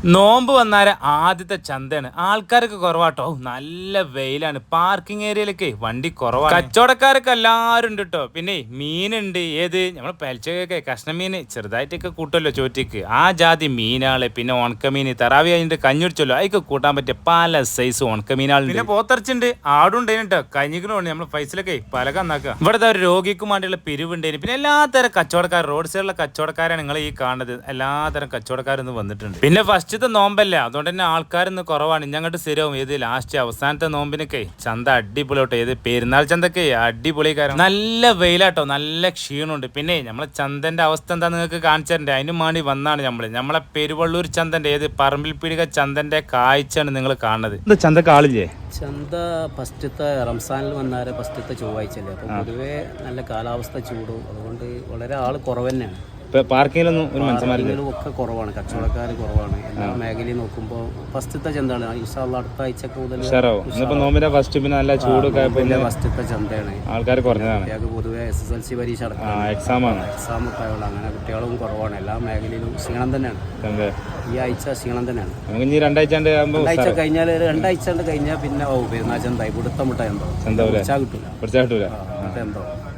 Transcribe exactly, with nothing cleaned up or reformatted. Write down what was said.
നോമ്പ് വന്നാല് ആദ്യത്തെ ചന്തയാണ്. ആൾക്കാരൊക്കെ കുറവാട്ടോ. നല്ല വെയിലാണ്. പാർക്കിംഗ് ഏരിയയിലൊക്കെ വണ്ടി കുറവാണ്. കച്ചവടക്കാരൊക്കെ എല്ലാവരും ഉണ്ട് കേട്ടോ. പിന്നെ മീനുണ്ട്. ഏത് നമ്മളെ പലിച്ചക്കൊക്കെ കഷ്ണമീൻ ചെറുതായിട്ടൊക്കെ കൂട്ടുമല്ലോ ചോറ്റിക്ക്. ആ ജാതി മീനാള്. പിന്നെ ഉണക്കമീൻ തറാവി അതിന്റെ കഞ്ഞുടിച്ചല്ലോ അതിക്ക് കൂട്ടാൻ പറ്റിയ പല സൈസ് ഉണക്കമീനാളുണ്ട്. പിന്നെ പോത്തറച്ചുണ്ട്. ആടുണ്ടേനും കേട്ടോ. കഞ്ഞിക്കണോണ്ട് നമ്മൾ പൈസയിലൊക്കെ പലക എന്നാക്കുക. ഇവിടുത്തെ ഒരു രോഗിക്കും വേണ്ടിയുള്ള പിരിവുണ്ടേനും. പിന്നെ എല്ലാത്തരം കച്ചവടക്കാർ റോഡ് സൈഡിലുള്ള കച്ചവടക്കാരാണ് നിങ്ങൾ ഈ കാണുന്നത്. എല്ലാത്തരം കച്ചവടക്കാരൊന്നും വന്നിട്ടുണ്ട്. പിന്നെ ഫസ്റ്റ് നോമ്പല്ല, അതുകൊണ്ട് തന്നെ ആൾക്കാരൊന്നും കുറവാണ്. ഞങ്ങോട്ട് സ്ഥിരവും ഏത് ലാസ്റ്റ് അവസാനത്തെ നോമ്പിനൊക്കെ ചന്ത അടിപൊളിയോട്ടോ. ഏത് പെരുന്നാൾ ചന്തക്കെ അടിപൊളി. കാരണം നല്ല വെയിലാട്ടോ, നല്ല ക്ഷീണമുണ്ട്. പിന്നെ നമ്മളെ ചന്തന്റെ അവസ്ഥ എന്താ നിങ്ങൾക്ക് കാണിച്ചു തരണ്ടേ? അതിനും വേണ്ടി വന്നാണ് നമ്മള്. നമ്മളെ പെരുവള്ളൂർ ചന്തന്റെ ഏത് പറമ്പിൽ പീടിക ചന്തന്റെ കാഴ്ചയാണ് നിങ്ങൾ കാണുന്നത്. എന്താ ചന്തക്ക് ആളില്ലേ? ചന്ത ഫസ്റ്റത്തെ റംസാനിൽ വന്നാല് ഫസ്റ്റത്തെ ചൊവ്വാഴ്ചല്ലേ. അപ്പൊ പൊതുവെ നല്ല കാലാവസ്ഥ ചൂടും, അതുകൊണ്ട് വളരെ ആള് കുറവ് തന്നെയാണ്. പാർക്കിങ്ങിലൊന്നും ഒരു മനുഷ്യന്മാരിലും ഒക്കെ കുറവാണ്, കച്ചവടക്കാർ കുറവാണ്. എല്ലാ മേഖലയും നോക്കുമ്പോൾ ഫസ്റ്റത്തെ ചന്തയാണ്. ഇൻഷാല്ലാ അടുത്ത ആഴ്ച കൂടുതൽ നോമ്പിന്റെ ഫസ്റ്റ് പിന്നെ നല്ല ചൂട് ഫസ്റ്റത്തെ ചന്തയാണ്. ആൾക്കാർ കുറഞ്ഞതാണ്. കുട്ടികൾക്ക് പൊതുവെ എസ് എസ് എൽ സി പരീക്ഷ എക്സാം ആണ് എക്സാം ഒക്കെ ആയുള്ള അങ്ങനെ കുട്ടികളും കുറവാണ്. എല്ലാ മേഖലയിലും ക്ഷീണം തന്നെയാണ്. ഈ ആഴ്ച ക്ഷീണം തന്നെയാണ്. രണ്ടാഴ്ച രണ്ടാഴ്ച കഴിഞ്ഞാൽ രണ്ടാഴ്ച കഴിഞ്ഞാൽ പിന്നെ ഓ പെരുന്നാൾ ചന്ത ഇവിടുത്തെ മുട്ട എന്തോ കിട്ടൂല കിട്ടൂല എന്തോ